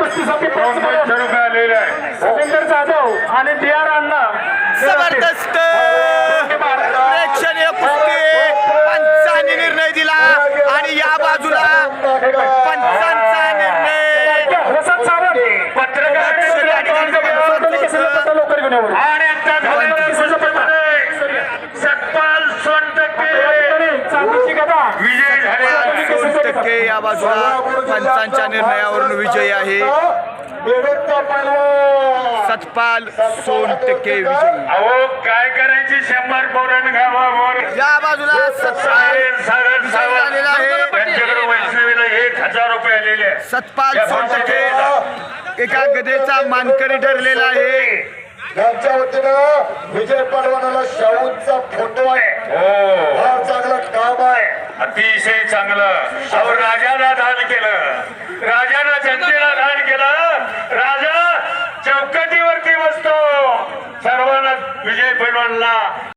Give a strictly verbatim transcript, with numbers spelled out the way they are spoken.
कुस्तीसाठी दोनशे रुपये आलेले आहे. रवींद्र जाधव आणि डी आर अण्णा जबरदस्त प्रेक्षणीय कुस्ती पंचांनी निर्णय दिला आणि या बाजूला पंचांचा निर्णय प्रसाद सावंत पत्रकार लवकर घेऊन यावं. आणि आता झालेल्या कुस्तीमध्ये सतपाल सोनटक्के चांदीची गदा विजय झालेला दोन टक्के या बाजूला पंचांच्या निर्णयावरून विजयी आहे. सतपाल सोन टक्के विजयी. अहो काय करायची शंभर पोरण गावावर या बाजूला सतपाल सारण झालेला आहे. त्यांच्याकडे वैष्णवीला एक हजार रुपये आलेले आहे. सतपाल सोन टक्के एका गदेचा मानकरी ठरलेला आहे. त्यांच्या वतीनं विजय पडवानाला शाहूंचा फोटो आहे. हो फार चांगलं काम आहे. अतिशय चांगलं. अहो राजाला दान केलं, राजानं जनतेला दान केलं. राजा चौकटीवरती बसतो. सर्वांना विजय पैलवानला